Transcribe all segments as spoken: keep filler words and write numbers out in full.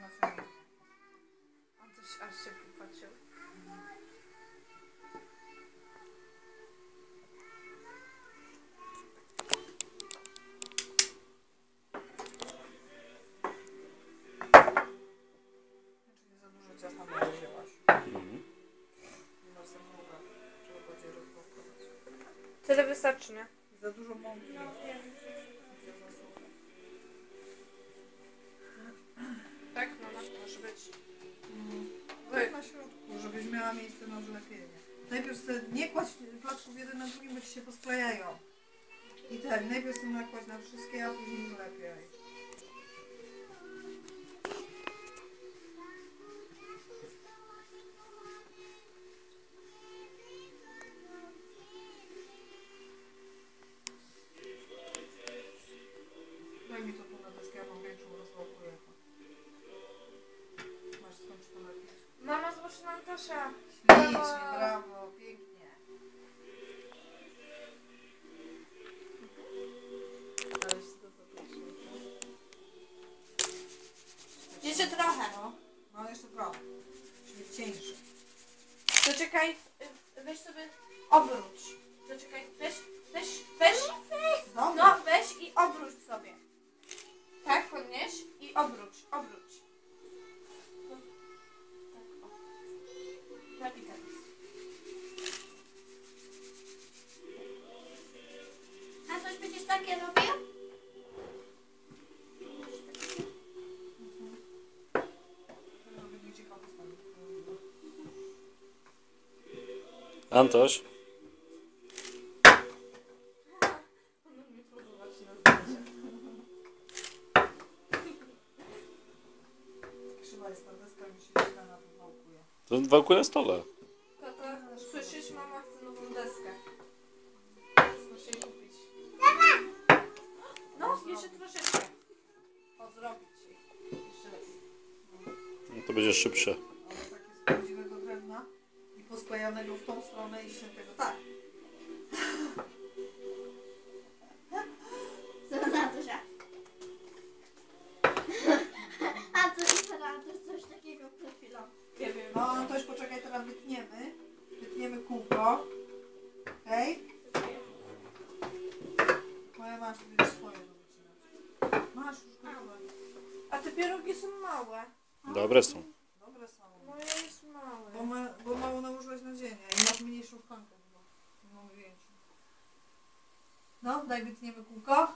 nacjonalny. On coś aż się popatrzył. Czyli za dużo ciasta nie wzięłaś. Mhm. Masz za długo. Trzeba bardziej rozwałkować. Tyle wystarczy, nie? Za dużo mąki. Tak, mama, może być. Tak na środku, żebyś miała miejsce na zlepienie. Najpierw sobie nie kładź placków jeden na drugim, bo ci się posklejają. I tak, najpierw sobie nakładź na wszystkie, a później zlepiaj. Daj mi to tu na deskę, ja mam większą, rozwałkuję to. Masz skąd to lepiej. Mama, zobacz na Antosia. Ślicznie, brawo, pięknie. Ale się to zapraszam. Jeszcze trochę. No, no jeszcze trochę. Czyli cieńszy. To czekaj, y, weź sobie obróć. To czekaj, weź, weź, weź. Dobra. No, weź i obróć sobie. Tak, podnieś i obróć, obróć. No, tak, o. Tak i teraz. A coś będziesz takie robił? Antoś, Ono mi podoba się na zdjęciach. Krzywa jest ta deska, mi się źle na to wałkuje. to wałkuj na stole. Tata, słyszysz, mama chce nową deskę. Muszę jej kupić. No, jeszcze troszeczkę. O, zrobić jej. Jeszcze lepiej. No to będzie szybsze. Ale takie z prawdziwego drewna i posklejanego w tą stronę i się tego tak. Co na to, że? A co i teraz też coś takiego przed chwilą. Nie wiem. No to już poczekaj, teraz wytniemy. Wytniemy kółko. Okej? Moja masz, będziesz swoje do wycinać. Masz już gotowe. A te pierogi są małe. Dobre są. Dobre są. Moje jest Bo, małe. ma, bo mało nałożyłaś nadzienia i masz mniejszą szklankę chyba. Nie mamy większą. No, daj wytniemy kółko.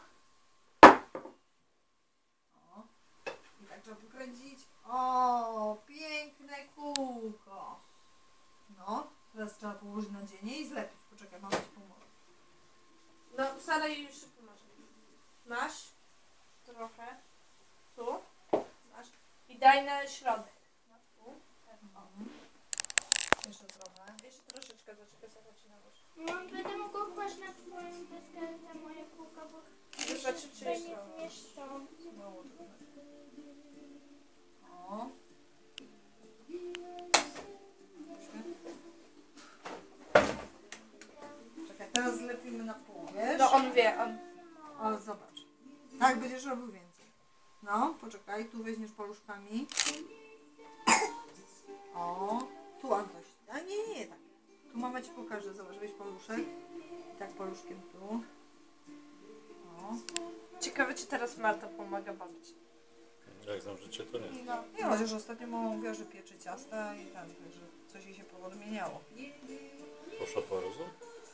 O. I tak trzeba pokręcić. O, piękne kółko. No, teraz trzeba położyć nadzienie i zlepić. Poczekaj, mama ci pomoże. No, Sara jej już pomoże. Masz trochę. Tu. Masz. I daj na środek. No, tu. Tak, o. Mhm. Jeszcze trochę. Jeszcze troszeczkę, zaczekaj, Sara ci nałoży. No, będę mogła kłaść na twoją deskę na moje kółka, bo Wystarczy się tutaj przyjść nie trochę. zmieszczą. Mało trochę. O. Czekaj, teraz zlepimy na pół, wiesz? No, on wie, on. O, zobacz. Tak, będziesz robił więcej. No, poczekaj, tu weźmiesz paluszkami. O, tu Antoś. A nie, nie, nie, tak. Tu mama ci pokaże, zobacz, weź paluszek. I tak paluszkiem tu. O. Ciekawe, czy teraz Marta pomaga bawić. Jak znam życie, to nie. No. Nie, chociaż ostatnio mama mówiła, że pieczy ciasta i tam, że coś jej się powodmieniało. Poszła po rozum?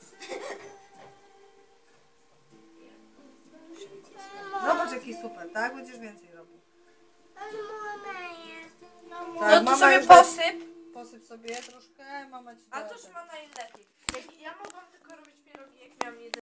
Zobacz, jaki super, tak? Będziesz więcej robił. Ale mama jest. No, Tak, No to mama sobie już da- posyp. Posyp sobie troszkę, mama ci da. A toż ma najlepiej. Jak ja mogłam tylko robić pierogi, jak miałam jeden.